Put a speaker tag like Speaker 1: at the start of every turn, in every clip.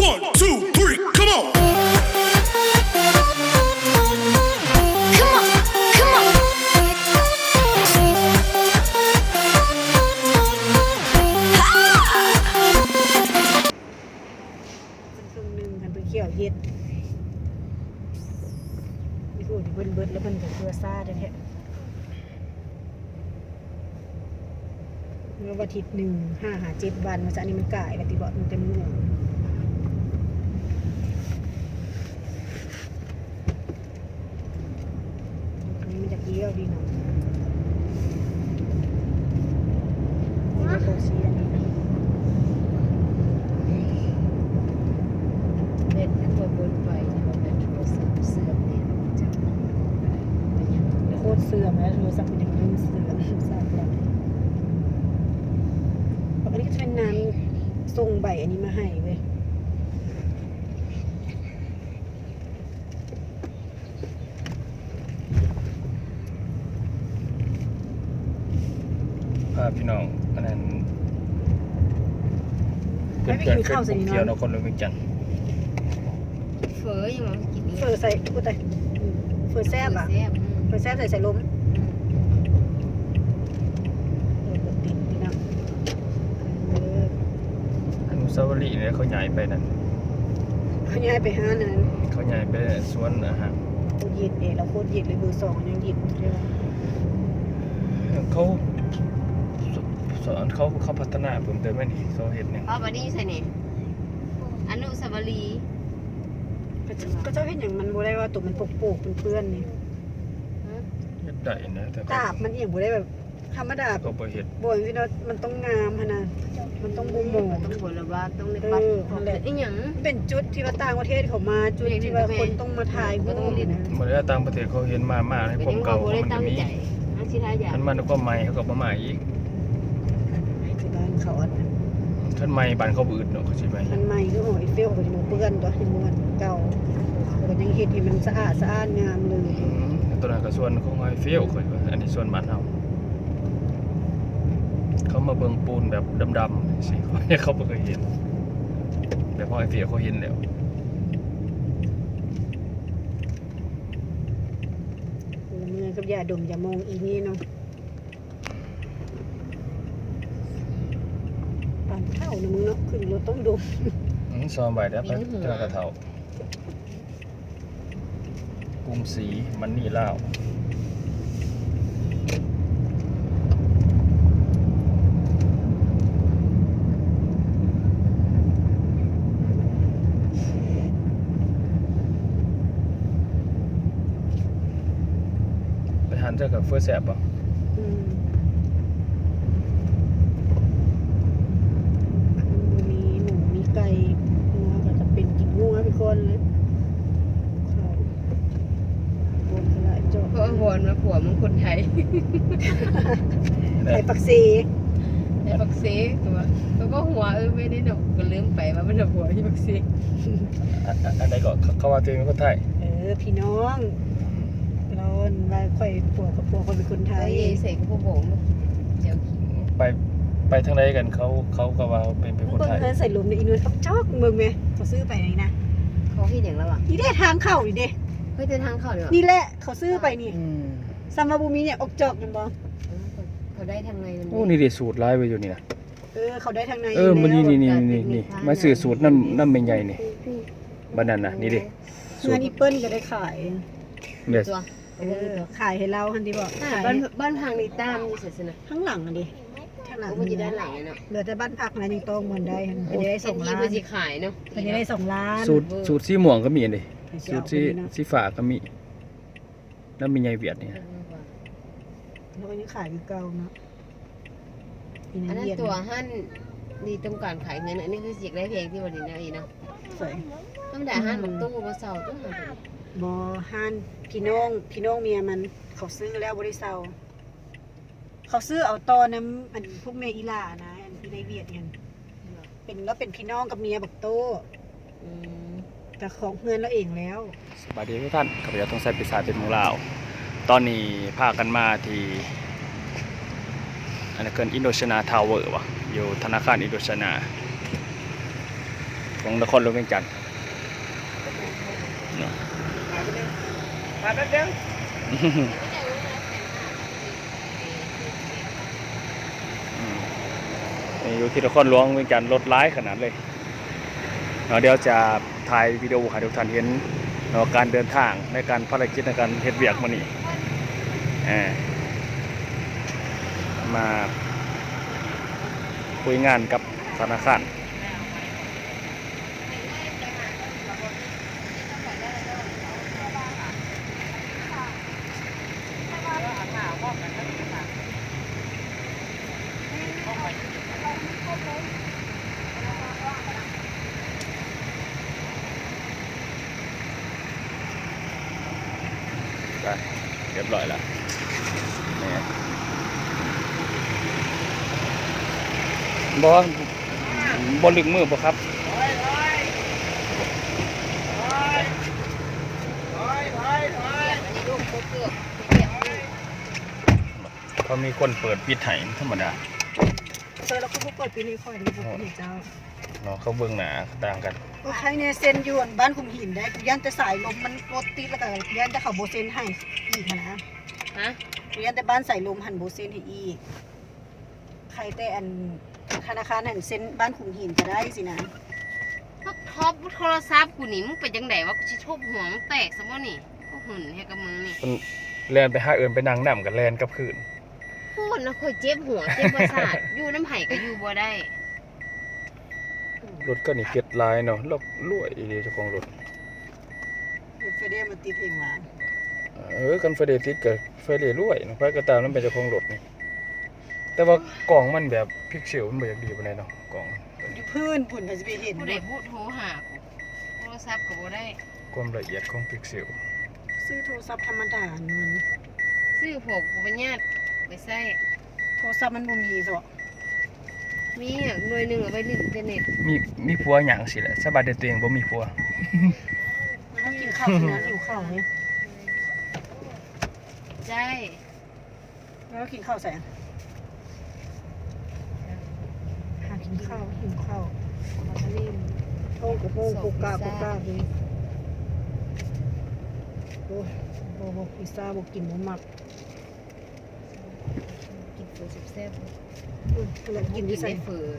Speaker 1: 1, 2, 3, come on.
Speaker 2: Come on, come on.
Speaker 3: ครึ่งหนึงคันไปเขี่ยวเฮ็ดนี่พูดเบิดแล้วมันก็เกลือซ่าแท้ๆเมื่อวันอาทิตย์1 5 หา 7 วันมันจะอันนี้มันก่ายแล้วติบ่มันเต็มมืออันนี้มันจะเกี่ยวดีเนาะนี่ก็โคชีอันนี้
Speaker 4: เล่นให้คนบนไปเนี่ยมันเป็นโทรศัพท์เสื่อมเนี่ยจัง
Speaker 3: โคตรเสื่อมแล้วโทรศัพท์เป็นอย่างนี้เสื่อมทราบแล้วอันนี้ก็จะเป็นน้ำส่งใบอันนี้มาให้เว้ย
Speaker 5: พาพี่น้องอันนั้น
Speaker 3: ไม่ไปกินข้าวใส่นี่
Speaker 5: เกี่ยว
Speaker 3: เนาะ
Speaker 5: นคนเลยเวียงจันทน์
Speaker 4: เฟอยังมากินนี่
Speaker 3: เฟอร์ใส่กูแต่เฟอร์แซ่บอ่ะ
Speaker 4: แซ่บ
Speaker 3: เฟอร์แซ่บใส่ล้มติดพี่น้อง
Speaker 5: อนุสาวรีย์เนี่ยเขาย้ายไปนั่น
Speaker 3: เขาย้ายไปห้านั้น
Speaker 5: เขาย้ายไปสวนอาหาร
Speaker 3: โคตรเย็นเองเราโคตรเย็นเลยเบอร์2ยังเย็นเลย
Speaker 5: เขาสอนเขาพัฒนาเพิ่มเติมไม่นี่เขาเห็นเนี่ย
Speaker 4: พ่อบันนี้ใส่เนี่ยอนุสาวรีย์
Speaker 3: ก็เจ้าเห็นอย่างมันบ่ได้ว่าตุ่มมันปกๆเปื้อนๆนี่
Speaker 5: เห็ดได้นะแต่
Speaker 3: ตาบมันอย่างบ่ได้แบบธรรมดา
Speaker 5: เขาบ่เห็ด
Speaker 3: บ่ที่เรามันต้องงามขนาดมันต้องบ่หมอง
Speaker 4: ต้องบนละว่าต้องในปัดไอ้หยัง
Speaker 3: เป็นจุดที่ว่าต่างประเทศเขามาจุดที่ว่าคนต้องมาถ่ายรูปนะ
Speaker 5: เมื่อต่างประเทศเขาเห็นมาให้
Speaker 4: เป็น
Speaker 5: ผม
Speaker 4: ยัง
Speaker 5: เก่า
Speaker 4: บ่ได้
Speaker 5: มัน
Speaker 4: ตั้
Speaker 5: จะ
Speaker 4: ง
Speaker 5: มี
Speaker 4: ใจอาชีพอะไรอย่าง
Speaker 5: ท่านมันก็ใหม่เขาก็มาใหม่อีก
Speaker 3: ที่บ้านเขาอันนั้น
Speaker 5: ท่านใหม่บ้านเขาบืดเนาะใช่ไหม
Speaker 3: มันใหม่คือหอยเฟลเขาจะมาเปื้อนตัวให้มันเก่าก็ยังเฮ็ดให้มันสะอาดงามเลย
Speaker 5: ตัวนั้นก็ส่วนของไฮเฟลค่อยว่าอันนี้ส่วนบ้านเฮาเขามาเบิ่งปูนแบบดำๆสิเขาบ่เคยเห็นแต่พอไอเฟียเขาเห็นแล้ว
Speaker 3: เมื่อกับยาดมยามองอีนี่เนาะปานเท่านะมึงเนาะขึ้นรถต้องดม
Speaker 5: ซอมใบได้ปะเจ้ากระเทากรุงศรีมันนี่ลาวไปหันเจอกับเฟอร์แสบป่ะ
Speaker 3: อืมมีหมูมีไก่งัวก็จะเป็นกินงัวเป็นคนเลยข้าวบนกระไรจบ
Speaker 4: เพราะวอนมาผัวมึงคนไทย
Speaker 3: ไข่ปักซี
Speaker 4: ไอ้บักซีตัวแล้วก็หัวไม่ได้หนกก็ลืมไปว่ามันหัวที่บักซี
Speaker 5: อันไหนก็เขาว่าตัวเองเป็นคนไทย
Speaker 3: พี่น้องร้อนว่าค่อยผัวกับผัวคนเป็นคนไท
Speaker 4: ไอ้
Speaker 3: ย
Speaker 4: เสกพวกผมเจียวขิง
Speaker 5: ไปทางไหนกันเขาก็ว่าเป็นคน
Speaker 3: เบิ่ง
Speaker 5: ไทย
Speaker 3: เงินใส่ลมในอีนูนจอกเบิ่งไหมเขาซื้อไปไหนนะ
Speaker 4: เขาคิดอย่างแล้วอ่ะ
Speaker 3: นี่ได้ทางเข้านี่เด้
Speaker 4: เฮ้ยเดินทางเข้าเลยว่ะ
Speaker 3: นี่แหละเขาซื้อไปนี่ซัมมาบูมีเนี่ยออกจอกกันบ่
Speaker 4: เขาได้ทางไงมัน
Speaker 5: โอ้นี่ดิสูตรลายไว้อยู่นี่นะ
Speaker 3: เขาได้ทางใน
Speaker 5: มัน
Speaker 3: แล้ว
Speaker 5: นี่มาซื้อสูตรน้ำเป็นใหญ่นี่บ้านนั้นนะนี่ดิ
Speaker 3: เงินอีเปิ้ลก็ได้ขาย
Speaker 5: เด็ด
Speaker 4: ตัว
Speaker 3: ขายให้เราทันทีบอกขาย
Speaker 4: บ้านพังในตามนี่เสร็จนะ
Speaker 3: ข้างหลังอ่ะดิข้างหลัง
Speaker 4: ก็มันจะด้านหลังเลยเนาะ
Speaker 3: เหลือแต่บ้านพักนะยังต้องมันได้มันจะได้ส่ง
Speaker 4: ที่
Speaker 3: ล้าน
Speaker 4: มันจะขายเนาะ
Speaker 3: มันจะได้2 ล้าน
Speaker 5: สูตรสีม่วงก็มีอันดิสูตรสีฟ้าก็มีน้ำเป็นใหญ่เวียดนี่
Speaker 3: แล้วก็ยังขายอยู่เก่าเนาะ
Speaker 4: อันนั้นตัวหั่นดีต้องการขายเงินอันนี้คือสิกได้เพลงที่วันนี้นะอีเนาะ
Speaker 3: สวย
Speaker 4: ต้องด่าหั่นมันตู้มาเศร้าต้องหา
Speaker 3: บอฮันพี่น้องเมียมันเขาซื้อแล้วบริษัทเขาซื้อเอาตอนน้ำอันพวกเมอีลานะอันที่ในเวียดเนี่ยเป็นพี่น้องกับเมียบักโตแต่ของเงินเราเองแล้ว
Speaker 5: สวัสดีทุกท่านข้าพเจ้าต้องใส่ปีศาจเป็นหมูลาว ตอนนี้พากันมาที่อันนั้นเกินอินโดชนาทาวเวอร์วะอยู่ธนาคารอินโดชนาของนครหลวงเวียงจันทร์เนาะ
Speaker 1: มาแป๊บเดียว
Speaker 5: อยู่ที่นครหลวงเวียงจันทร์รถร้ายขนาดเลยเดี๋ยวจะถ่ายวิดีโอให้ทุกท่านเห็นการเดินทางในการภารกิจในการเฮ็ดเวียกมื้อนี้มาคุยงานกับธนาคารเรียบร้อยแล้วนี่บ่ลึกมือบ่ครับเขามีคนเปิดปิดไห้ธรรมดา
Speaker 3: เจอแล้วก็เปิดปีนี้ค่อยดูบุกเจ้า
Speaker 5: เนาะเขาเบิ่งหน้าต่างกัน
Speaker 3: ก็ใครเนี่ยเซ็นอยู่บ้านคุมหินได้ยันแต่สายลมมันรถติดแล้วก็ยันแต่เขาโบเซนให้อีกนะ
Speaker 4: ฮะ
Speaker 3: ยันแต่บ้านใส่ลมหันโบเซนให้อีกใครแต่อันธนาคารหันเซ็นบ้านคุมหินก็ได้สินะ
Speaker 4: พวกท็อปโทรศัพท์กูนี่มึงเป็นจังไดวะกูสิทุบหัวมึงแตกซะบ่นี่ก็หุ่นให้กับมึงนี่
Speaker 5: เพิ่นแล่นไปหาเอิ้นไปนั่งนำกันแล่นกลับคืน
Speaker 4: โคตรนะค่อยเจ็บหัวเจ็บประสาท อยู่น้ำไห้ก็อยู่บ่ได้
Speaker 5: รถก็นี่เก็ดลายเนาะลอกรวยอีหลีเจ้าของรถ
Speaker 3: ไฟเดียมันติดเองมา
Speaker 5: กันไฟเดติดกับไฟเดรวยเนาะไฟก็ตามนั้นเป็นเจ้าของรถนี่แต่ว่ากล่องมันแบบพิกเซลมันบ่อยากดีปานใดเนาะกล่องตัว
Speaker 3: อ
Speaker 5: นี้
Speaker 3: ยู่พื้นผุ่นก็จะไปเห็น
Speaker 4: ผู้ใดพูดโทรหากูโทรศัพท์ก็บ่ได้
Speaker 5: ความละเอียดของพิกเซล
Speaker 3: ซื้อโทรศัพท์ธรรมดาเงิน
Speaker 4: ซื้อพวกกูไปญาติไปใส่
Speaker 3: โทรศัพท์มันบ่มีซะ
Speaker 4: มีอ่ะหน่วยหนึงเอาไว้เล่นอินเทอร์เน็ต
Speaker 5: มีผัวหยังสิแหละสบายแต่ตัวเองบ่มีผัว
Speaker 3: แล้วกินข้าวสินะหิวข้าวเนี่ย
Speaker 4: ใช่
Speaker 3: แล้วกินข้าวใส่หากินข้าวหิวข้าว
Speaker 4: นี่
Speaker 3: โอ้กระโปงกุกกากุกกาเลยโอ้โหพิซซ่าบอกกินบ่มัก
Speaker 4: กินเฟอแซ่บ
Speaker 3: อะไร
Speaker 4: ๆ
Speaker 3: กินที่ใส่
Speaker 4: เฟอ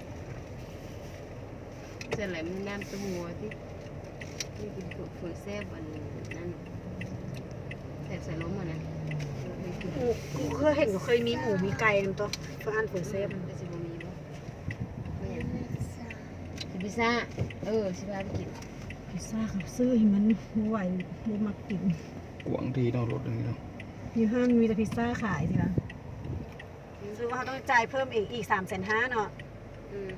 Speaker 4: เสร็จแล้วมันน้ำตัวหัวที่นี่กินเฟอแซ่บอันนั้นแซ่บใส่ล้มอ่ะนะ
Speaker 3: กูเคยเห็นเคยมีหมูมีไก่นั่นตัวเพื่ออันผลเซฟ
Speaker 4: มันก็จะบ่มีบ่ไม่เห็นกินพิซซ่าสิพาไปกิน
Speaker 3: พิซซ่าครับซื้อให้มันไหวบ่มักกิน
Speaker 5: กวางดีเนาะรถอันนี้เนาะ
Speaker 3: อยู่ห้างมีแต่พิซซ่าขายสิคะซื้อว่าเขาต้องจ่ายเพิ่มอีก350,000เนาะ
Speaker 4: อืม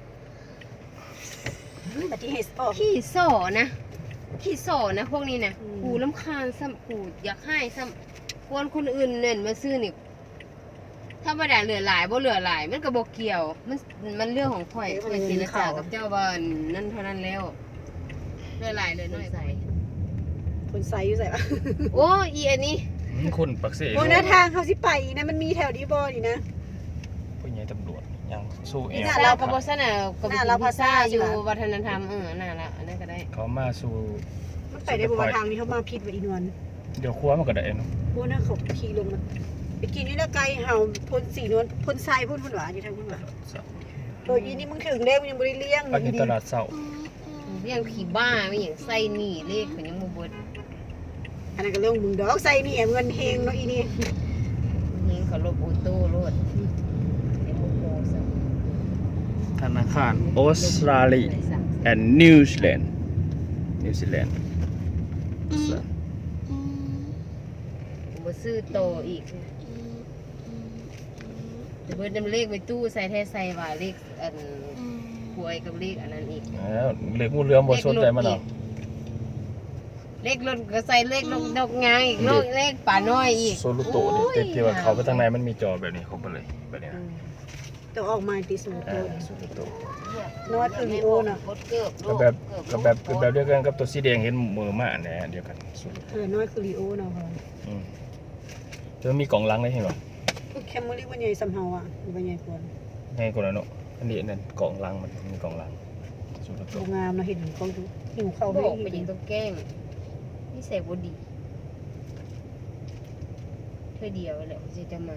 Speaker 3: แต่ที่เฮสออก
Speaker 4: ขี้โซ่นะขี้โซ่นะพวกนี้นะ
Speaker 3: อืม
Speaker 4: กูรำคาญซ้ำกูอยากให้ซ้ำควรคนอื่นเน่นมาซื้อนี่ถ้าบ่ได้เหลือหลายบ่เหลือหลายมันก็บ่เกี่ยวมันเรื่องของข่อยข่อยสิจากับเจ้าบ้านนั่นเท่านั้นแล้วเหลือหลายเหลือน้อยไป
Speaker 3: คนไซส์อยู่ใส่ปะ
Speaker 4: โอ้อีอันนี้
Speaker 5: คนปักเส
Speaker 3: โอ้หน้าทางเขาสิไปอีกนะมันมีแถวดีบอนี่นะ
Speaker 5: ผู้ใหญ่ตำรวจยังสู้เอว
Speaker 4: เราก็บ่ซั่นน่ะก็ไป
Speaker 3: น่า
Speaker 4: กิ
Speaker 3: เรา
Speaker 4: นพิซซ่า
Speaker 3: ภาษา
Speaker 4: อยู่
Speaker 3: ใช่ปะ
Speaker 4: วัฒนธรรมน่าละอันนั้นก็ได้
Speaker 5: เขามาสู้
Speaker 3: มันไปได้บ่ว่าทางนี้เขามาผิดว่าอีนวล
Speaker 5: เดี๋ยวครัวมันก็ได้เนาะ
Speaker 3: โอ้น่าเขาขี่ลงมาไปกินนี่แล้วไกลเห่าพ่นสีนวลพ่นทรายพ่นหวานอยู่ทางพ่นหวานอีนี่มึงถึงแล้วมึงยังบ่ได้เลี้ยง
Speaker 5: ไปอยู่ตลาดเช้า
Speaker 4: เรื่องผีบ้าไม่อย่างใส่หนี่เลขมันยังบ่เบิด
Speaker 3: อันนั้นก็เรื่องมึงดอกใส่นี่เงินเฮงเนาะอีนี่
Speaker 4: ยิงเขาลบออโต้รถไอ้พวกโมซะ
Speaker 5: ธนาคารออสเตรเลีย and New Zealand
Speaker 4: บ่ซื้อโตอีกแต่เพิ่นนำเลขไปตู้ใส่แท้ใส่ว่าเลขอันหวยกับเลขอันนั้นอีก
Speaker 5: แล้วเหล็กงูเหลือมบ่สนใจมันหรอก
Speaker 4: เลขรถก็ใส่เลขดอกงางอีกเลขป่าน้อยอีก
Speaker 5: โซลูโตะนี่แต่ที่ว่าเขาไปทางในมันมีจอแบบนี้ครบไปเลยแบบนี้นะ
Speaker 3: แต่ออกมาติสูงโต
Speaker 5: โซลูโตะ
Speaker 3: นอดคือลีโอน่ะ
Speaker 4: กดเกือบ
Speaker 5: ก็แบบเดียวกันกับตัวสีแดงเห็นมือมาอันนี้เดียวกันโซลูโตะ
Speaker 3: น้อยคือลีโอเนาะพ่อ
Speaker 5: จะมีกล่องล้างได้เห็นบ่
Speaker 3: แคมเมอรี่วันใหญ่สำเฮาอ่ะวันใหญ่กว่า
Speaker 5: ง่ายกว่านั้นเนาะอันนี้นั่นกล่องล้างมันมีกล่องล้างโซสุดละ
Speaker 3: โร
Speaker 5: ตัว
Speaker 3: งงามเราเห็นเขาหิวเขา
Speaker 4: เขา
Speaker 3: ให้
Speaker 4: บอกไปยิงต้องแกล้งนี่ใส่บดีเธอเดียวแหละจะมา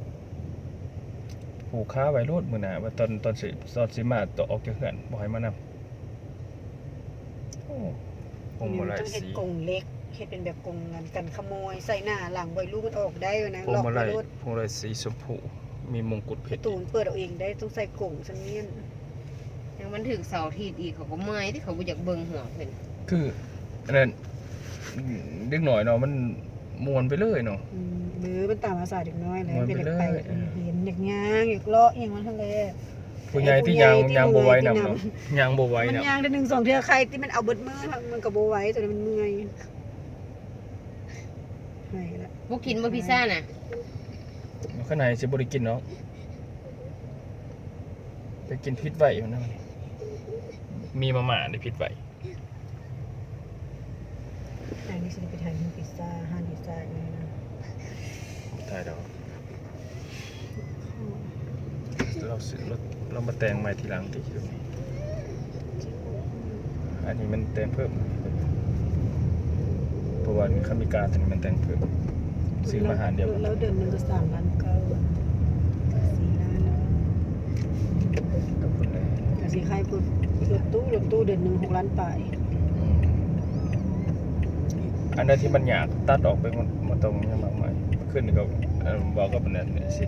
Speaker 5: ผูกค้าไว้โลดมื้อหน้าว่าตอนสิมาตัวออกจากเฮือนบ่ให้มานำโอ้คงบ่หลาย
Speaker 3: ต้องเห็ด
Speaker 5: สี
Speaker 3: กรงเล็กเห็ดเป็นแบบกรงกันขโมยใส่หน้าหลังไว้ลูกมันออกได้นะ
Speaker 5: คง
Speaker 3: ล็อก
Speaker 5: บ่ห
Speaker 3: ไว้
Speaker 5: ลาย
Speaker 3: รถ
Speaker 5: คงหลายสีชมพูมีมงกุฎเพ
Speaker 3: ประ
Speaker 5: ชร
Speaker 3: ตูเปิดเอาเองได้ต้องใส่กรงซันนี้
Speaker 4: ยังมันถึงเสาร์อาทิตย์อีกเขาก็เมื่อยที่เขาบ่อยากเบิ่งหัวเพิ่น
Speaker 5: คืออันนั้นเด็กหน่อยเนาะมันม่วนไปเลยเนาะ
Speaker 3: หรือมันตามภาษาเด็กน้อยแล้ว
Speaker 5: มัน
Speaker 3: เป็น
Speaker 5: ไป
Speaker 3: เด็ก
Speaker 5: เลย
Speaker 3: ไปเห็นอยากย่างอยากเลาะอย่างมันทะเล
Speaker 5: ผู้ใหญ่ที่ยางบ่ไหวนำเนาะยางบ่ไหว
Speaker 3: มัน
Speaker 5: นำ
Speaker 3: ย่างได้1-2เทื่อใครที่มันเอาเบิดมือมันก็บ่ไหวแต่มันเมื่อยให้ละ
Speaker 4: บ่กินบ่พิซซ่าน่ะ
Speaker 5: ข้างในสิบ่ได้กินเนาะไปกินพิษไว้มันนะมีมาม่าได้พิษไว้
Speaker 3: อันนี้สิไปทานพิซซ่าห้านพิซซ่าอย่างนี้นะ
Speaker 5: ถ่ายดอกเรามาแต่งใหม่ทีหลังที่ตรงนี้อันนี้มันแต่งเพิ่มเพราะว่าคำมีการตัวนี้มันแต่งเพิ่มซื้อมาหารเดียวกัน
Speaker 3: แล้วเดือนหนึงก็3 ล้าน 9 4 ล้านแล้ว
Speaker 5: ขอบคุณเลย
Speaker 3: แต่สิใครพูดรถตู้เดือนหนึง6 ล้านปลาย
Speaker 5: อันนั้นที่มันอยากตัดออกไปหมดตรงนี้มากมายขึ้นก็บอกก็เป็นนั้นสิ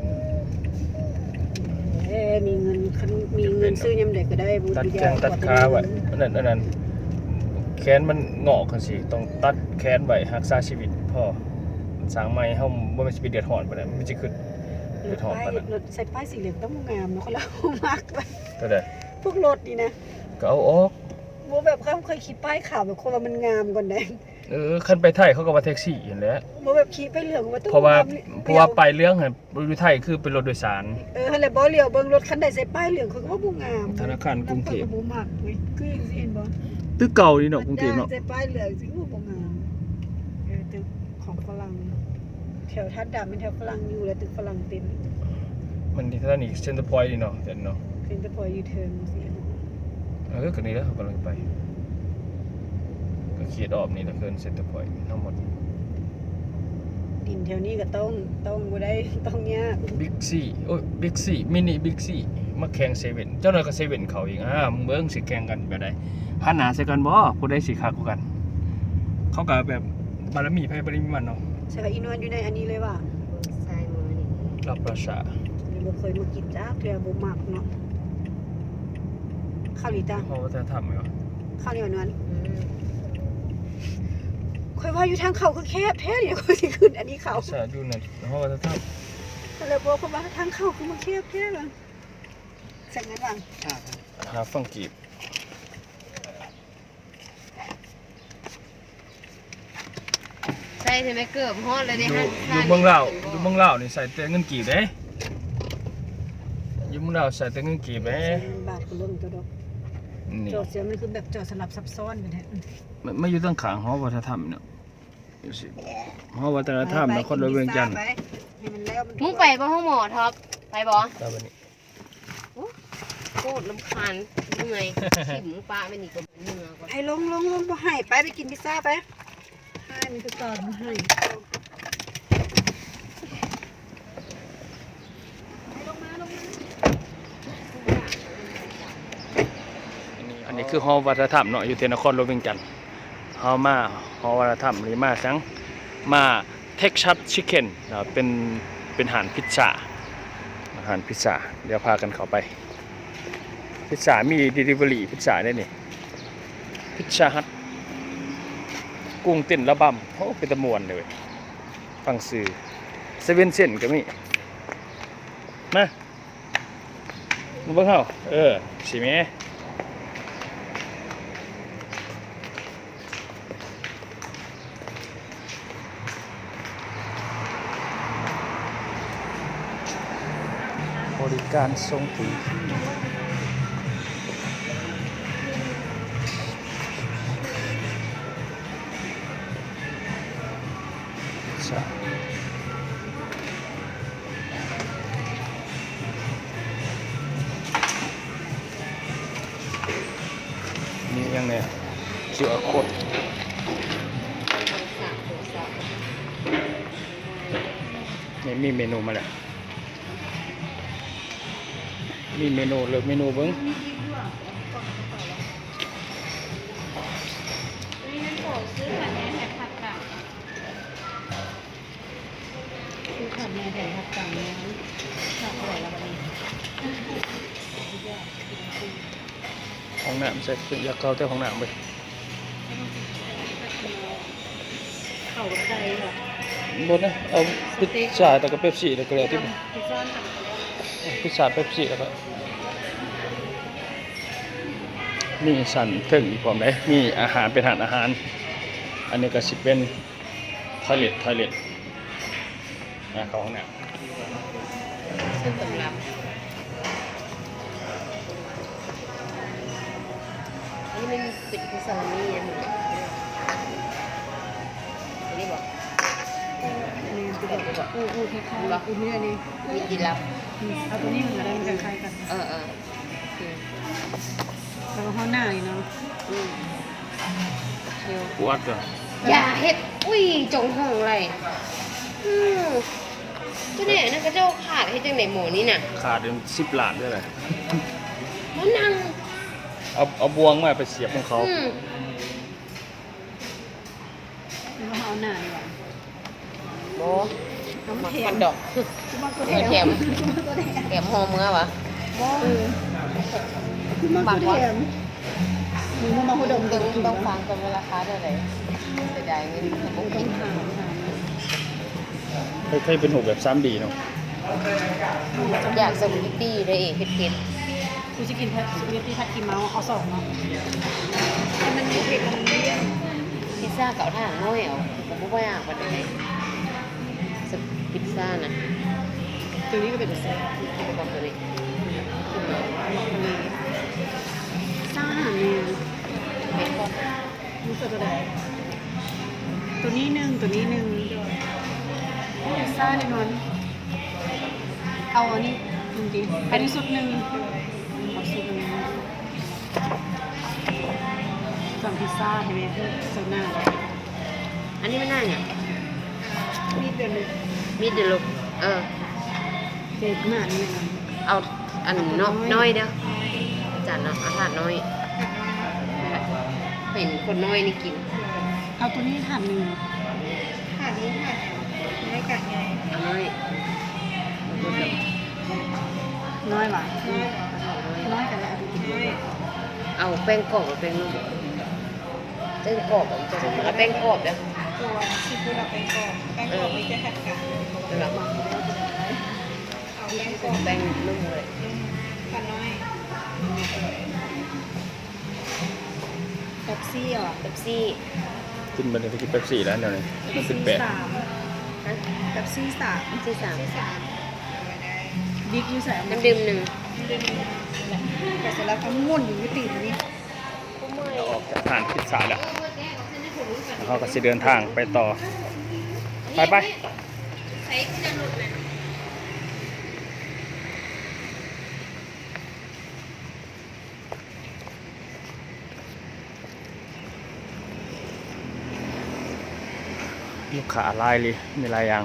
Speaker 3: มีเงินซื้อยำเด็กก็ได้บุญ
Speaker 5: ตัด
Speaker 3: วิท
Speaker 5: แข้
Speaker 3: ยาง
Speaker 5: ตัดขาไว้อันนั้นแขนมันงอกกันสิต้องตัดแขนไว้รักษาชีวิตพ่อสร้างใหม่เฮาบ่แม่นสิไปเดือดร้อนปานนั้นมันสิขึ้นเดือดร้อนปานนั้น
Speaker 3: รถใส่ป้ายสีเหลืองต้องงามเนาะเขาเล่ามากไป
Speaker 5: เท่าใด
Speaker 3: พวกรถนี่นะ
Speaker 5: ก็เอาออก
Speaker 3: บ่แบบเขาเคยขี่ป้ายขาวแบบคนว่ามันงามก่อนได้
Speaker 5: คันไปไทยเขาก็ว่าแท็กซี่นั่นแหละ
Speaker 3: บ่แบบขี่ไปเหลืองว่าต้อง
Speaker 5: เพราะว่าไปเรื่องอยู่ไทยคือเป็นรถโดยสาร
Speaker 3: หั่นแหละบ่เลี้ยวเบิ่งรถคันใดใส่ป้ายเหลืองเขาก็ว่าบ่งาม
Speaker 5: ธนาคารกรุงเทพ
Speaker 3: บ่มักเว้ยคือจังซี่เห็นบ่
Speaker 5: ตึกเก่านี่เนาะกรุงเทพเนาะ
Speaker 3: ใส่ป้ายเหลืองสิว่าบ่งามตึกของฝรั่งแถวทัดดำเป็นแถวฝรั่งอยู่แล้วตึกฝรั่งเต็ม
Speaker 5: มันที่ท่านี่เซ็นเตอร์พอยต์นี่เนาะเห็นเนาะ
Speaker 3: เป็นแต่พอยูเทิร์นสิ
Speaker 5: ก็นี่แล้วเขากำลังไปก็เขียนออกนี่แล้วเกินเซ็นเตอร์พอยต์ทั้งหมด
Speaker 3: ดินแถวนี้ก็ต้องบ่ได้ต้องยาก
Speaker 5: บิ๊กซี่โอ้ยบิ๊กซี่มินิบิ๊กซี่มาแข่งเซเว่นเจ้าหน่อยก็เซเว่นเขาอีกมึงเบิ่งสิแข่งกันแบบใดหันหน้าใส่กันบ่ผู้ใดสิคักกว่ากัน เขาก็แบบบารมีไผบารมีมันเนาะ
Speaker 3: ใช่ค่ะอีนวลอยู่ในอันนี้เลยว่ะ
Speaker 4: ใส่มือนี่
Speaker 5: รับประชา
Speaker 3: นี่บ่เคยมากินจ้าเทื่อบ่มักเนาะข้าวนี่จ้า
Speaker 5: เพราะว่าจะทำไหมวะ
Speaker 3: ข้าวนี่นวลค่อยว่าอยู่ทางเขาคือแคบแท้เนี่ยค่อยสิขึ้นอันนี้เขา
Speaker 5: ประชาอยู่นั่นเพราะว่าจะท
Speaker 3: ก็เลยบอกว่าทางเขาคือมันแคบแท้ล่ะจังนั้นว่ะ
Speaker 5: ำหาฟังกีบ
Speaker 4: ใส่ใช่ไหมเกือบฮอดเลย
Speaker 5: อ
Speaker 4: เด้
Speaker 5: ยู่
Speaker 4: ฮะ
Speaker 5: อยู่เมืองลาวอยู่เมืองลาวนี่ใส่แต่เงินกีบเด้อยู่เมืองลาวใส่แต่เงินกีบเด้
Speaker 3: บาทก็เริ่มตัวดอก
Speaker 5: นี่
Speaker 3: จอดเสียมันคือแบบจอดสลับซับซ้อนไปแท้
Speaker 5: ไม่อยู่ตั้งขางหอวัฒนธรรมเนาะอยู่สิหอวัฒนธรรมนครหลวงเวียงจันทร์
Speaker 3: ให้มันแล้วมัน
Speaker 4: มึงไปบ่ห้องหมอท็อปไปบ่
Speaker 5: ตามนี้
Speaker 4: โคตรลำคาญเมื่อยขิมปลาไปนี่ก็เหนื่อยกว่า
Speaker 3: ให้ลงบ่ให้ไปกินพิซซ่าไปให้มันคือก่อนบ่ให้ลงมา
Speaker 5: อันนี้คือหอวัฒนธรรมเนาะอยู่ที่นครหลวงเวียงจันทร์เฮามาหอวัฒนธรรมนี่มาจังมาเท็กซัสชิคเก้นเป็นอาหารพิซซ่าเดี๋ยวพากันเข้าไปพิซซ่ามี delivery พิซซ่าได้นี่พิซซ่าฮัทกุ้งเต้นระบำโอ้เป็นตะมวนเลยเว้ยฟังสื่อเซเว่นเซนก็มีมาเบิ่งเฮาสิแม่บริการทรงถึงที่ QR code นี่มีเมนูมาแล้วมีเมนูเลือกเมนูเบิ้ง
Speaker 3: คือขับแม่แผ่นทับกลางแล้วขับอะไรแล้ววันนี้
Speaker 5: ห้องน้ำใส่อยากเข้าแต่ห้องน้ำไป
Speaker 3: เข่ากับใจเหรอบ
Speaker 5: นนะเอาพิซซ่าแต่ก็เป๊ปซี่แล้วก็แล้วที่
Speaker 3: พิซซ่าหนัก
Speaker 5: พิซซ่าเป๊ปซี่แล้วก็มีสันถึงพร้อมได้มีอาหารเป็นอาหาร อันนี้ก็สิเป็นทอยเล็ตเข้าห้องน้ำ
Speaker 4: ซึ่งสำหรับอันนี้มันปิดคือซาลามี่นะอันนี้บอก
Speaker 3: นี่คือแบบอู้คล้ายๆอู้เนี่ยนี่
Speaker 4: มีดีลับ
Speaker 3: เอาตัวนี้มันจะได้มันคล้ายกัน
Speaker 4: เออ
Speaker 3: แล้วก็ห้องหน้าอีกเนาะ
Speaker 4: เชียว
Speaker 5: ปวดก็
Speaker 4: อย่าเฮ็ดอุ้ยจงห้องอะไรก็เนี่ยนั่นก็เจ้าขาดให้จังไหนหมูนี่น่ะ
Speaker 5: ขาดเป็น10 ล้านด้วยเลย
Speaker 4: มันนั่ง
Speaker 5: เอาบวงมาไปเสียบของเขา
Speaker 3: แล้วก็เอาหน้าดีกว่า
Speaker 4: โบ
Speaker 3: น้ำ
Speaker 4: มั
Speaker 3: แข็ง
Speaker 4: นดอก
Speaker 3: คือมันก็
Speaker 4: แถมแถมหอมเมื่อวะ
Speaker 3: คือมันก็แถมมึงมาพูดดม
Speaker 4: ต้องฟังกันว่าราคาเท่าไหร่เสียดายเงินผม
Speaker 3: ต้
Speaker 4: กิ
Speaker 3: อง
Speaker 4: น
Speaker 3: ถาม
Speaker 5: เคยเป็นหูแบบ 3D เนาะ
Speaker 4: อยากสมุนตี้เลยเผ็ด
Speaker 3: กูจะกินแพทสปาเกตตี้ผัดกีเมาเอา2เนาะให้มันมีเผ็ดมันเลี่ยน
Speaker 4: พิซซ่าเก่าท่าน้อยเอาผมไม่อยากไปไหนพิซซ่านะ
Speaker 3: ตัวนี้ก็เป็นแซ่บ
Speaker 4: ที่เป็นของตัวนี้
Speaker 3: ซ่าเนี่ย
Speaker 4: เป็นของ
Speaker 3: รู้สึกตัวไหนตัวนี้หนึ่งซ่าแน่นอนเอาอันนี้จริงๆอันนี้สุดหนึ่งเอาสุดหนึ่งสั่งพิซซ่าใช่ไหมโซน่า
Speaker 4: อันนี้ไม่น่าเนี่ย
Speaker 3: มีเดือนนึง
Speaker 4: มีดเดลุก
Speaker 3: เด็กมากนี่นะ
Speaker 4: เอาอันน้อยเด้ออาจารย์เนาะอาหารน้อยเป็นคนน้อยนี่กิน
Speaker 3: เอาตัวนี้ถาดหนึ่งถาดนี้ถาดน้อยกันไง
Speaker 4: เอาน้อย
Speaker 3: น้อยว่ะน้อยกันแล้วน้อย
Speaker 4: เอาแป้งกรอบกับแป้งนุ่มแป้งกรอบเอาแป้งกรอบเด้อ
Speaker 3: ตัวซีฟู้ดเราเป็นกรอบแป้งกรอบไม่ใช่ผัดกาด
Speaker 4: แล้ว
Speaker 3: เอาแป้งกรอบ
Speaker 4: แป้งนุ่มเลย
Speaker 3: ผัดน้อยเป๊ปซี่เหรอ
Speaker 4: เป๊ปซี่
Speaker 5: กินบันไดไปกินเป๊ปซี่แล้วเดี๋ยวนี้ขึ้นแปะ
Speaker 3: สามเป๊ปซี่สาม
Speaker 4: ที่สาม
Speaker 3: บิ๊กยูใส่
Speaker 4: น้ำดื่มหนึ่ง
Speaker 3: แต่เสร็จแล้วก็ม่วนอยู่ที่ตีนนี้
Speaker 5: เราออกจากทานพิซซ่าแล้วเขาก็สิเดินทางไปต่อ ไป
Speaker 4: ใช้ที่จะหลุดนะ
Speaker 5: ลูกค้าลายเลยมีหลายอย่าง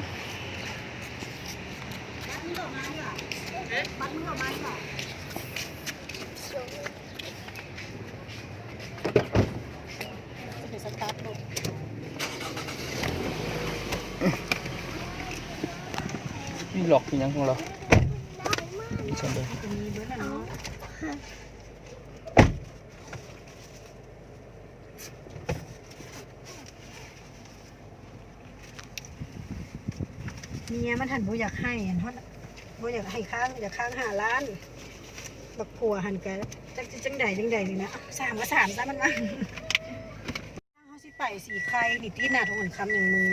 Speaker 5: มีหลอกที่ยังของเราฉันเลย
Speaker 3: เมียมันหันบ่อยากให้เพราะบ่อยากให้ค้างอยากค้าง5 ล้านบักผัวหันกันจังใดนี่นะ3ก็3ซะมันว่าเฮาสิไปสีไข่นี่ตีหน้าทงหันคำหนึ่งมือ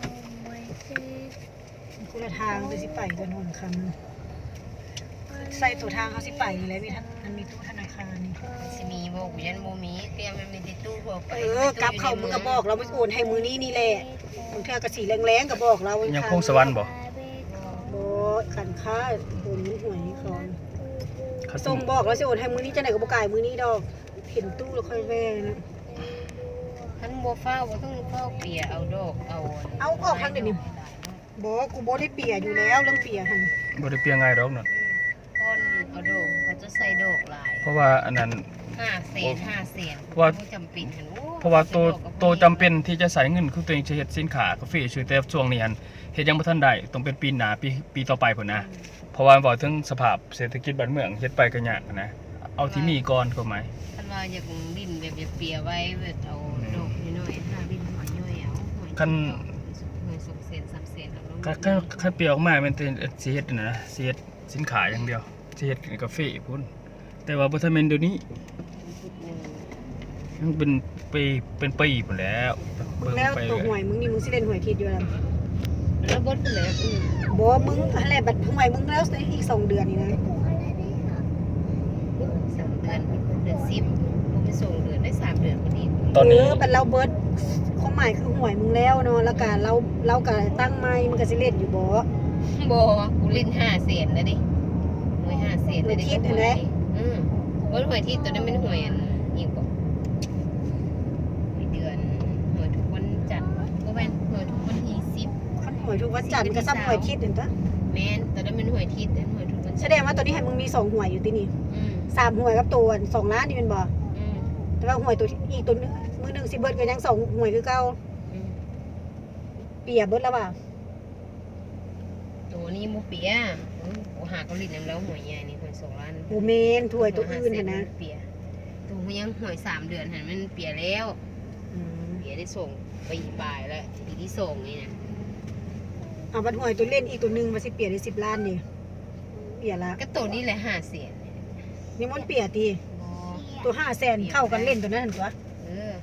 Speaker 3: คุณละทางไปสิไปจนหันคำใส่ตัวทางเฮาสิไปนี่แหละมันมีตู้ธนาคารนี่
Speaker 4: สิมีบอกยันโมมีเตรียมมันมีติดตู้พวกไป
Speaker 3: กลับเข้ามึงก็บอกเราไม่โอนให้มือนี้นี่แหละมึงเธอกระสีแรงๆก็บอกเรา
Speaker 5: ยั
Speaker 3: ยัง
Speaker 5: พงสวรรค์บ่
Speaker 3: บ่ขันค่าโอนหวยนี่ก่อน
Speaker 5: เขา
Speaker 3: ส่งบอกเราสิโอนให้มือนี้จะไหนก็บ่กายมือนี้ดอกเห็นตู้แล้วค่อยแว่นะ
Speaker 4: บ่ฟ้าวบ่ต้องเฝ้าเปียเอาดอกเอา
Speaker 3: เอาออกทางเดี๋ยวนี้บ่กูบ่ได้เปียอยู่แล้วเรื่องเปียหั่น
Speaker 5: บ่ได้เปรียงง่ายดอกเนาะ
Speaker 4: คนเอาดอกเขาจะใส่ดอกหลาย
Speaker 5: เพราะว่าอันนั้น
Speaker 4: 5 เซน
Speaker 5: เพราะว่า
Speaker 4: บ่จำเป็นหั่นโอ้
Speaker 5: เพราะว่าโตจำเป็นที่จะใส่เงินคือตัวเองจะเฮ็ดสินค้ากาแฟชื่อแต่ช่วงนี้หั่นเฮ็ดยังบ่ทันได้ต้องเป็นปีหน้าปีต่อไปพุ่นนะเพราะว่าบอกถึงสภาพเศรษฐกิจบ้านเมืองเฮ็ดไปก็ยากนะเอาที่มีก่อนก็หมาย
Speaker 4: คันว่าอยากดินแบบอยากเปียไว้แบบเอาดอกน้อยๆหาดินหอยย่อยเอาหอย
Speaker 5: คัน
Speaker 4: หอย2 เซน 3 เซนเอาลง
Speaker 5: คันเปรียวออกมามันเป็นสิเฮ็ดนั่นนะสิเฮ็ดสินค้าอย่างเดียวสิเฮ็ดกาแฟพุ่นแต่ว่าบ่ทันแม่นเดี๋ยวนี้มันเป็นปีพุ่นแล้วเบิ่ง
Speaker 3: แล้ว
Speaker 5: ไป
Speaker 3: ตัว
Speaker 5: เรื่
Speaker 3: ห
Speaker 5: อ
Speaker 3: วย ยมึงนี่มึงสิเล่นหวยทิศอยู่แล้ว
Speaker 4: แล้วบดไปเลย
Speaker 3: บ่มึงอะไรบัดหวยมึงแล้วอีก2 เดือนนี่นะ
Speaker 4: 3 เดือนเดือน10บ่ไปส่งเดือนได้3 เดือนพอดี
Speaker 5: ตอนนี้
Speaker 3: บัดเราเบิดความหมายคือหวยมึงแล้วเนาะแล้วก็เราก็ตั้งไม้มึงก็สิเล่นอยู่บ่
Speaker 4: บ่กูเล่น5 เซนแล้วดิหวย5 เซนแล้วดิบ่หวยที่ตัวนั้นเป็นหวยอันอีกบ่เดือนหวยทุกวันจันทร์บ่แม่นหวยทุกวันที่10
Speaker 3: คันหวยทุกวันจันทร์ก็ซ้ำหวยทิศเห็นปะ
Speaker 4: แม่นตัวนั้นเป็นหวยทิศแต่หวยทุกวัน
Speaker 3: แสดงว่าตอนนี้ให้มึงมี2หวยอยู่ที่นี่
Speaker 4: อืม
Speaker 3: 3หวยกับตัว2ล้านนี่แม่นบ่
Speaker 4: อืม
Speaker 3: แต่ว่าหวยตัวอีกตัวนึงมือหนึงสิเบิดก็ยัง2หวยคือเก่า
Speaker 4: อืม
Speaker 3: เปียเบิดแล้วบ่า
Speaker 4: ตัวนี้บ่เปียโอ้หาเกาหลีนำแล้วหวยใหญ่นี่หวย2 ล้าน
Speaker 3: บ่แม่นถ้วยตัวอื่นหั่นนะ
Speaker 4: เปียตัวมันยังหวย3 เดือนหั่นมันเปียแล้ว
Speaker 3: อืม
Speaker 4: เปียได้ส่งปีปลายแล้วปีที่ส่งนี่นะ
Speaker 3: เอาบัดหวยตัวเล่นอีกตัวหนึงว่าสิเปียได้10ล้านนี่เปียละ
Speaker 4: ก็ตัวนี้แหละ5 เสียน
Speaker 3: นี่มันเปียติตัว500,000เข้ากันเล่นตัวนั้นหั่นตัว
Speaker 4: เออ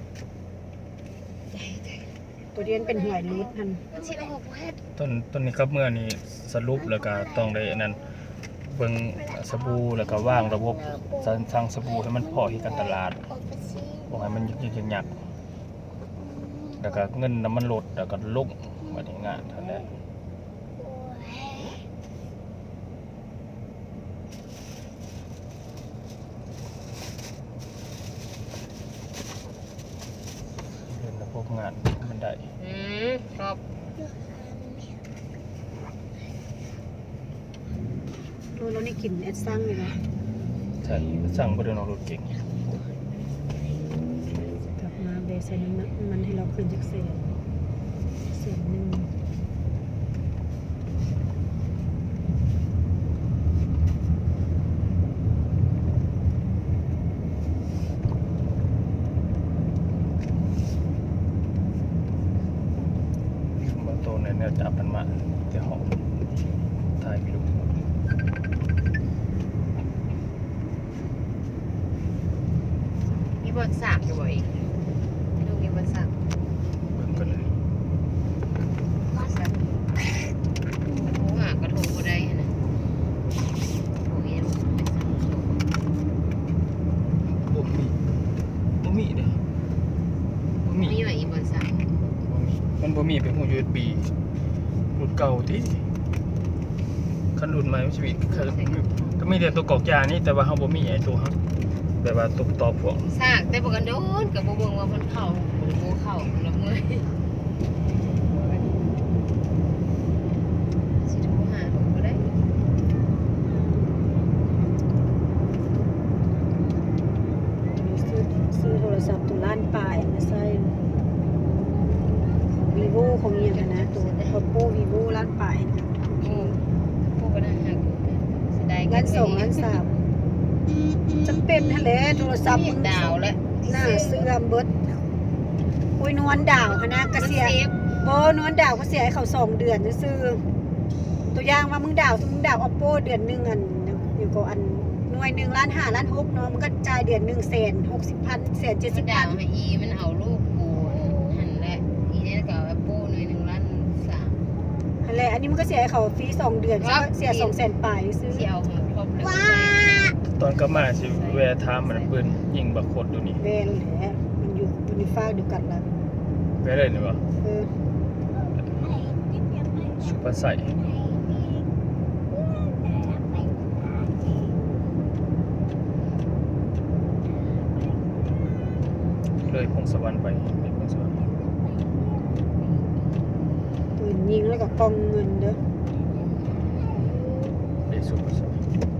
Speaker 3: ตัวเดียนเป็นหวยรูดหั่น
Speaker 4: มันสิออกแพทย์
Speaker 5: ต้นนี้ครับเมื่อนี้สรุปแล้วก็ต้องได้อันนั้นเบิ่งสบู่แล้วก็วางระบบสั่งสบู่ให้มันพอที่การตลาดบ่ให้มันยึกๆยักๆแล้วก็เงินน้ำมันลดแล้วก็ลงบัดนี้งานเท่านั้นเรื่องระบบงานมันได้
Speaker 4: ชอบ
Speaker 3: โอ้เรานี่กินแอดซังเลยนะ
Speaker 5: ใช่สั่งบ่ได้นอกรถเก่ง
Speaker 3: กลับมาเบสใส่น้ำมันให้เราขึ้นจากเศษหนึง
Speaker 5: บ่โตในแนวจับมันมาแต่ห้องถ่ายไปดู
Speaker 4: มีบอลสามอยู่บ่อีกลูกมีบอลสาม
Speaker 5: เบิ่งกันเลย
Speaker 4: โอ้หากระทงบ่ได้หั่นน่ะโอ้ยยังเป็นสามโชว์
Speaker 5: บ่มีเด้อบ่มี
Speaker 4: มีว่าอีบอลสาม
Speaker 5: มันบ่มีเป็นหู USB รุ่นเก่าติคันรุ่นใหม่มันสิมีก็มีแต่ตัวกรอกยานี่แต่ว่าเฮาบ่มีไอ้ตัวฮักแบบว่าตัวต่อพวก
Speaker 4: ซากแต่บ่กันโดนก็บ่เบิ่งว่ามันเข้าบ่เข้าละเมื่อยสิโทรหาลูกบ่ได้
Speaker 3: ซื้อโทรศัพท์ตัวล้านปลายมาใส่ของ vivo ของเอียงอะนะตัว oppo vivo ล้านปลายนะ
Speaker 4: โอ้พวกก็น่าหักสิได้
Speaker 3: ล้านสองล้านสามจำเป็นนั่นแหละโทรศัพท์
Speaker 4: มี
Speaker 3: มึง
Speaker 4: ดาวแล้ว
Speaker 3: หน้าเสื่อมเบิดโอ้ยนวลดาวนะกระเสียบ่นวลดาวก็เสียให้เขา2 เดือนซื่อๆตัวอย่างว่ามึงดาวoppo เดือนหนึงอันอยู่ก็อันหน่วย1.5 ล้าน1.6 ล้านเนาะมันก็จ่ายเดือน160,000
Speaker 4: ดาว
Speaker 3: 170,000
Speaker 4: ให้อีมันเอาลูกกูหันแหละอีเนี่ยก็เอาแอปเปิ้ลหน่วย1 ล้าน 3
Speaker 3: อะไรอันนี้มันก็เสียให้เขาฟรี2 เดือน
Speaker 4: ครับ
Speaker 3: เสีย200,000ปลายซื้อ
Speaker 4: ที่เอาของครบเลย
Speaker 5: ตอนกลับมาสิแวะถามมันเปิ้นยิงบักโคตรอยู่นี่
Speaker 3: แม่นแหละมันอยู่ฟ้าเดียวกันละ
Speaker 5: แวะเลยนี่บ่
Speaker 3: เออ
Speaker 5: สุภาใส่เลเลยพงสวรรค์ไปเป็นพงสวรรค์
Speaker 3: ปืนยิงแล้วก็กองเงินเด้อ
Speaker 5: ได้สุดสุด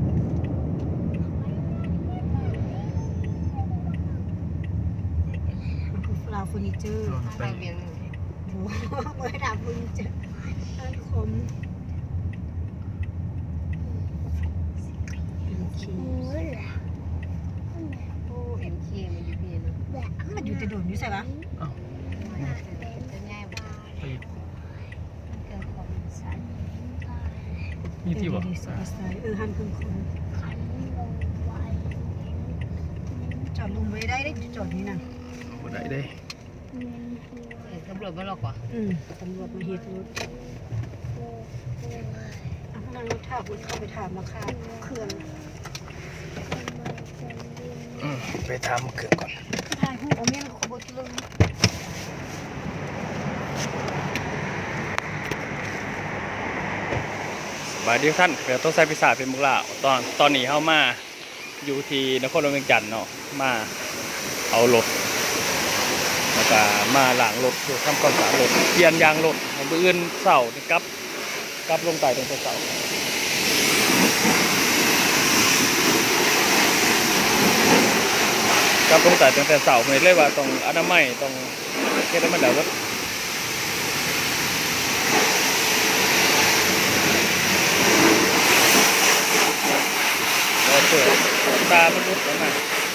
Speaker 3: ลาวเฟอร์นิเจอร์
Speaker 4: ไปเวียงหนึ่ง
Speaker 3: โอ้โหเมื่อดาบเฟอร์นิเจอร์ร้านคมโอเค
Speaker 4: โอ้เอ็มเคมันอยู่พี่เนาะ
Speaker 3: มันอยู่แต่โดนอยู่ใช่ปะ
Speaker 4: จะง่ายบ่
Speaker 2: เกิดความสั่น
Speaker 5: มีที่บ่
Speaker 3: ดีๆสวยๆหันครึ่งคน
Speaker 2: ขันลงไว้
Speaker 3: จอดลงไว้ได้จอดนี่นะ
Speaker 5: บ่ได้เด้
Speaker 4: ตำรวจมาหรอกว่ะ
Speaker 3: ตำรวจมาเฮ็ดรถเอานั่งรถถามคุณเข้าไปถามราคาเครื่อง
Speaker 5: ไปทำเครื่องก่อน
Speaker 3: ถ่ายรูปเอาเมียนขบวนเลย
Speaker 5: สบายดีทุกท่านเดี๋ยวต้องใส่พิซซ่าเป็นมุกลาตอนนี้เฮามาอยู่ที่นครหลวงเวียงจันทน์เนาะมาเอารถแล้วก็มาล้างรถทำความสะอาดรถเปลี่ยนยางรถมื้ออื่นเช้านี่กลับลงใต้ตรงเช้า กับลงแต่ตั้งแต่เสาร์ไม่เลยว่าต้องอนามัยต้องเฮ็ดให้มันแล้วก็เปิดตามันรุดแล้วนะ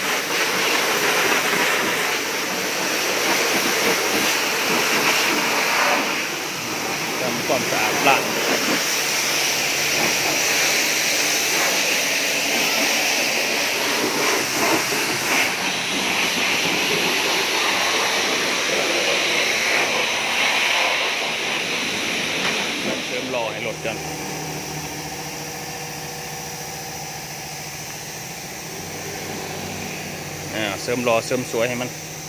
Speaker 5: ทำความสะอาดละเติมรอให้รถกันเสริมรอเสริมสวยให้มัน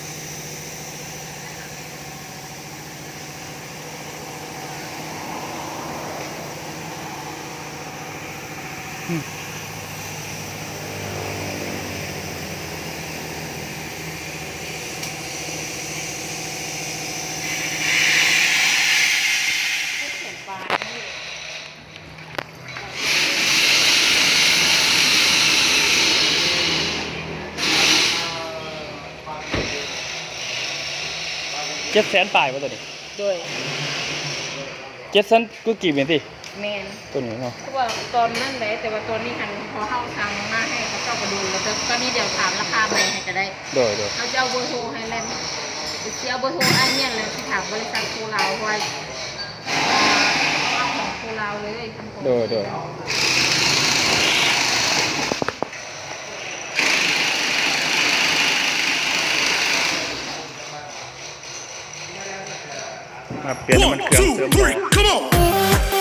Speaker 5: 700,000 ปลายป่ะตัวนี้
Speaker 4: โดย
Speaker 5: 700,000ก็กี่เมตรสิ
Speaker 4: แมน
Speaker 5: ตัวนี้เนาะ
Speaker 4: คือว่าตอนนั้นเลยแต่ว่าตอนนี้หันพอเข้าทางมาให้เขาเจ้าก็ดูแล้วแต่ตอนนี้เดี๋ยวถามราคาใหม่ให้จะได้
Speaker 5: โดย
Speaker 4: เขาจะเอาเบอร์โทรให้แล้วเสียเบอร์โทรไอ้เนี่ยเลยที่ถามบริษัทโคลาวไว้เอาของโคลาวเลย
Speaker 5: โดยมาเปลี่ยนน้ำมันเครื่องเสริมรอ
Speaker 6: Come on!